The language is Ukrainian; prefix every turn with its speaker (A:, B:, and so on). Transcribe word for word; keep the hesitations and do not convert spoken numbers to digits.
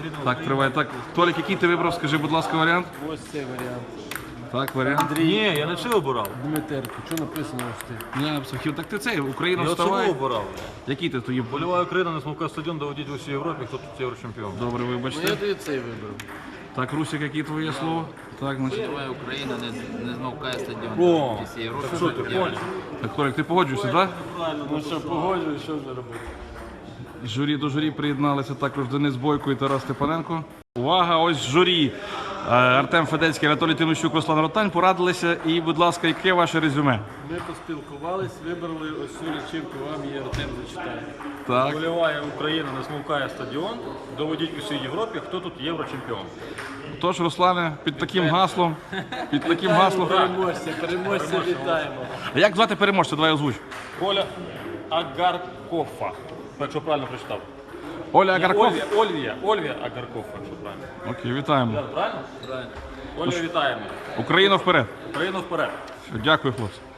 A: Так, триває. Так, Толік, який ти вибрав, скажи, будь ласка, варіант?
B: Ось цей варіант.
A: Так, варіант.
C: Ні, я не це обирав.
B: Дмитерко, що написано ось ти?
A: Я психів. Так ти цей, Україна
C: Я цього
A: вставай.
C: обирав.
A: Який ти тоді?
C: Боліває Україна, не смовка стадіон, доводить в усій Європі, хто тут єврочемпіон.
A: Добре,
B: Ну я
A: вибачте.
B: тоді цей вибрав.
A: Так, Русик, які твоє слово? Так, значить.
D: Давай Україна не, не змовкає стадіон.
C: О,
D: Всі Європи.
C: що ти, понял?
A: Так, Толік, ти погоджуєшся, так?
B: Ну що, погоджуюсь, що вже робити?
A: Журі до журі приєдналися також Денис Бойко і Тарас Степаненко. Увага, ось журі. Е, Артем Федецький, Анатолій Тимощук, Руслан Ротань порадилися. І, будь ласка, яке ваше резюме?
B: Ми поспілкувались, вибрали ось цю лічинку, вам її Артем зачитає.
A: Так.
C: Боліває Україна, не смовкає стадіон, доводить в усій Європі, хто тут єврочемпіон.
A: Тож, Руслане, під таким гаслом, під таким гаслом.
B: Переможця, переможця вітаємо.
A: А як звати переможця? Давай озвуч.
C: Оля Агаркофа, якщо правильно прочитав.
A: Оля Агарков.
C: Ольвія, Ольвія, Ольвія Агаркофа, якщо правильно.
A: Окей, вітаємо.
C: Правильно? Правильно. Оля, вітаємо.
A: Україна вперед.
C: Україну вперед.
A: Дякую, хлопці.